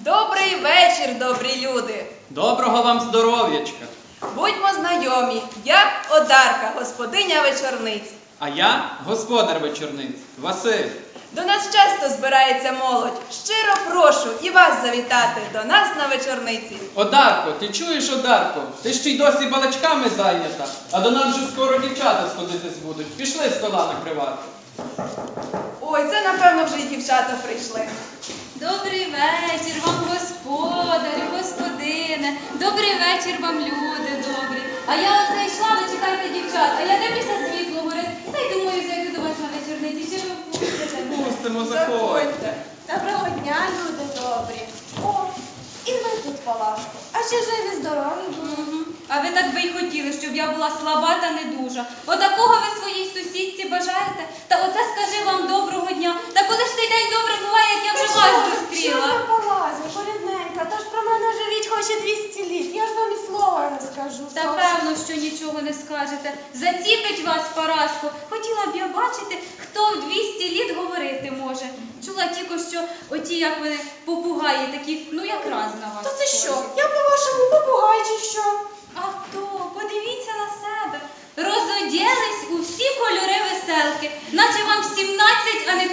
Добрий вечір, добрі люди! Доброго вам здоров'ячка! Будьмо знайомі, я Одарка, господиня вечорниць. А я господар вечорниць, Василь. До нас часто збирається молодь. Щиро прошу і вас завітати до нас на вечорниці. Одарко, ти чуєш, Одарко? Ти ще й досі балачками зайнята, а до нас вже скоро дівчата сходитись будуть. Пішли стола накривати. Ой, це напевно вже й дівчата прийшли. Добрий вечір вам, господарю, господине. Добрий вечір вам, люди добрі. А я оце йшла, ви чекайте дівчат, а я дивлюся, світло горить. Та й думаю, зайду до вас на вечорниці, чи ви впустите? Пустимо, заходь. Заходьте. Доброго дня, люди добрі. О, і ви тут, Палашко. А ще живі, здорові були. А ви так би й хотіли, щоб я була слаба та недужа. Отакого ви своїй сусідці бажаєте? Та оце скажи вам доброго дня. Та коли ж цей день добре буває, як я вже вас Що зустріла? ви, Палазю, порідненька, та ж про мене живіть хоч і 200 літ. Я ж вам і слова не скажу. Та певно, що нічого не скажете. Заціпить вас, Параско. Хотіла б я бачити, хто в 200 літ говорити може. Чула тільки, що оті, як вони, попугаї такі, ну якраз на вас. То це що? схожі. Я по-вашому попугай чи що? А хто? Подивіться на себе. Розоділись у всі кольори веселки, наче вам 17, а не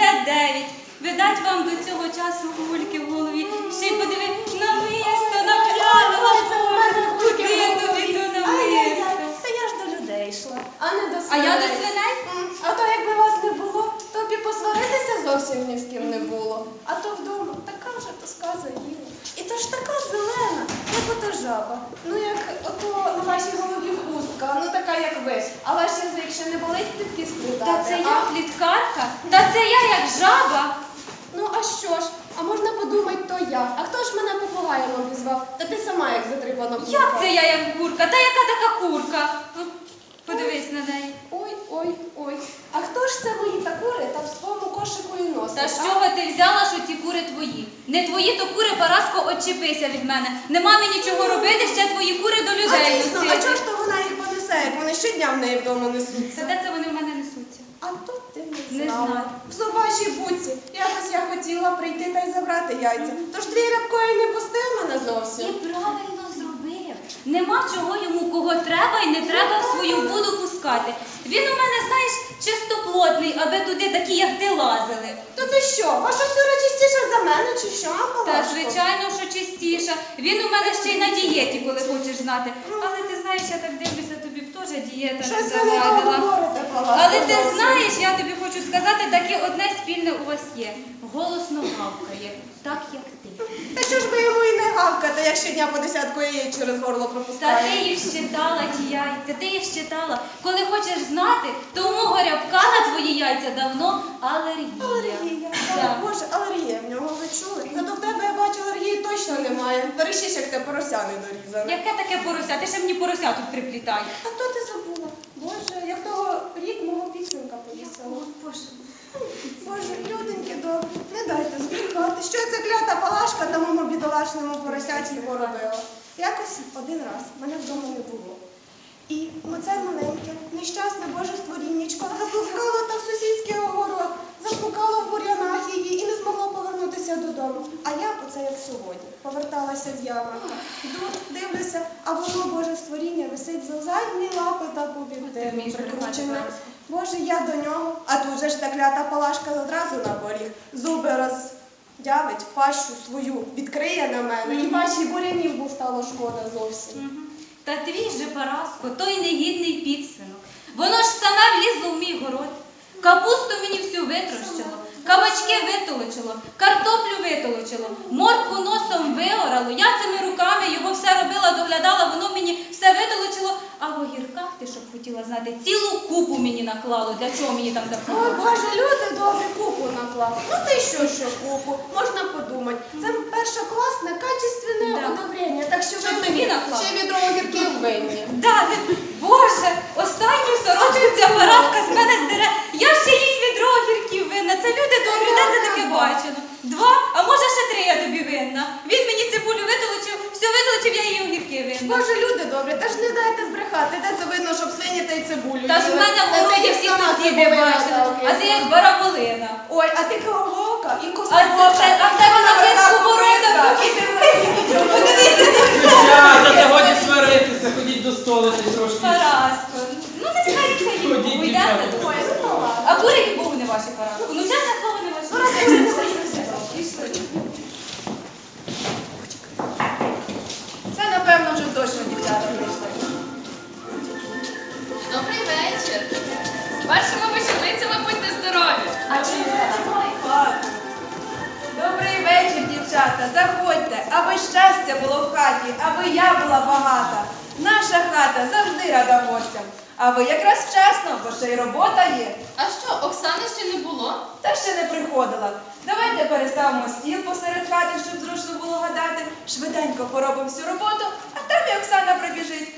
59. Видать вам до цього часу гульки в голові. Ще й подиви на місто, на п'яного. Це в мене Куди гульки в тобі голові. то на Ай-яй-яй, місто? та я ж до людей йшла, а не до А я до свиней. свиней? А то якби вас не було, то б і посваритися зовсім ні з ким не було. А то вдома така вже тоска заїла. І то ж така зелена, як ото жаба. Ну як ото на вашій голові хустка, ну така як ви. А ваш язик ще не болить плітки сплітати? Та це а? я пліткарка? Та це я як жаба? Ну а що ж? А можна подумати, то я. А хто ж мене попугаєм обізвав? Та ти сама як затрипана курка. Як це я як курка? Та яка така курка? Подивись на неї. Ой, ой, ой. А хто ж це мої та кури та в своєму кошику і носить? Та з а? чого ти взяла, що ці кури твої? Не твої, то кури, Параско, отчепися від мене. Нема мені чого робити, ще твої кури до А людей дійсно, а носити. чого ж то вона їх понесе, як вони щодня в неї вдома Та несуться? де це вони в мене несуться? А тут ти Не не знала. знаю. В собачій будці. Якось я хотіла прийти та й забрати яйця. Тож твій рябкою не пустив мене І зовсім. правильно зробив. Нема чого йому кого треба і не треба в свою буду пускати. Він у мене, знаєш, чистоплотний, аби туди такі, як ти, лазили. То ти що, ваша сира чистіша за мене чи що, Та Палашко? звичайно, що чистіша. Він у мене ще й на дієті, коли хочеш знати. Але ти знаєш, я так дивлюся, тобі б теж дієта не Щось ви не то завадила. говорите, Палашко. Але ти зовсім. знаєш, я тобі хочу сказати, таке одне спільне у вас є. Голосно гавкає, так як ти. Та що ж би йому і не гавкати, як щодня по 10 яєць через горло Та пропускає? ти їх щитала, ті яйця, ти їх щитала. Коли хочеш знати, то у мого рябка на твої яйця давно алергія. Алергія. Так. Боже, алергія в нього, ви чули? Зато в тебе, я бачу, алергії точно немає. Бережись, як те порося не дорізане. Яке таке порося? Ти ще мені порося тут приплітай. А то ти забула? Боже, як того рік мого пісенька повісила. Боже. Боже, люденьки добрі, не дайте збрехати. Що ця клята Палашка тому бідолашному поросяті поробила? Якось один раз мене вдома не було. І оце маленьке, нещасне Боже створіннячко заблукало та в сусідський огород, заблукало в бур'янах її і не змогло повернутися додому. А я, оце як сьогодні, поверталася з ярмарка. Йду, дивлюся, а воно, Боже створіння, висить за задні лапи та Ти побідтину вмієш прикручене. брехати, Боже, я до нього, а тут же ж та клята Палашка одразу на поріг. Зуби роздявить, пащу свою відкриє на мене, і пащі бурянів був стало шкода зовсім. Мгм. Та твій же, Параско, той негідний підсвинок. Воно ж саме влізло в мій город. Капусту мені всю витрощило, кабачки витолочило, картоплю витолочило, моркву носом виорало. Я цими руками його все робила, доглядала, воно мені все витолочило. А в огірках, ти щоб хотіла знати, цілу купу мені наклало. Для чого мені там так Ой, наклало? Боже, люди добрі, купу наклав. Ну ти що купу? Можна подумати. Це першокласне, качественне Да. одобрення. Так що Щоб ви тобі наклав. ще відро огірків винні. Да, Боже, останню сорочку ця Параска з мене здере. Я ще їй відро огірків винна. Це люди добрі, де це таке бачено? 2, а може ще 3 я тобі винна. Він мені цибулю витолочив, все витолочив, я їй огірки винна. Боже, люди добрі, та ж не дайте збрехати. Де це видно, щоб свині та й цибулю Та ж в їли? мене в Та городі ти всі сама сусіди цибулина бачили, та а ти як окисна. бараболина. Ой, а ти кого і А в тебе на киску борода застолити трошки. Параско, ну не сваріться їм, Ходіть, ви дівчата. йдете до себе. А курені Богу не ваші, Параско. Ну чесне слово не ваші. Пішли. Це, напевно, вже точно дівчата прийшли. Добрий вечір. З першими вечорницями будьте здорові. Добрий вечір, дівчата. Заходьте, аби щастя було в хаті, аби я була багата. Наша хата завжди рада гостям. А ви якраз вчасно, бо ще й робота є. А що, Оксани ще не було? Та ще не приходила. Давайте переставимо стіл посеред хати, щоб зручно було гадати. Швиденько поробимо всю роботу, а там і Оксана прибіжить.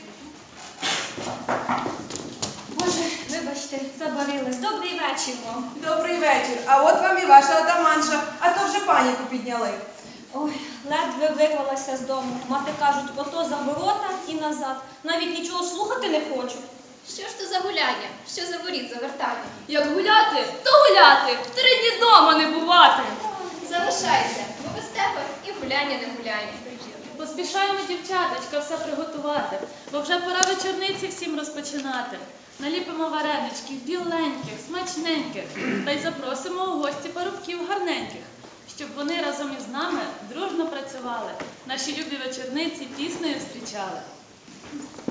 Боже, вибачте, забарилась. Добрий вечір вам. Добрий вечір. А от вам і ваша отаманша, а то вже паніку підняли. Ой, ледве вирвалася з дому. Мати кажуть, ото за ворота і назад. Навіть нічого слухати не хочу. Що ж то за гуляння? Що за воріт завертання? Як гуляти, то гуляти. 3 дні дома не бувати. Залишайся, бо без тебе і гуляння не гуляння. Поспішаємо, дівчаточка, все приготувати, бо вже пора вечорниці всім розпочинати. Наліпимо вареничків, біленьких, смачненьких, та й запросимо у гості парубків гарненьких, щоб вони разом із нами дружно працювали, наші любі вечорниці піснею зустрічали.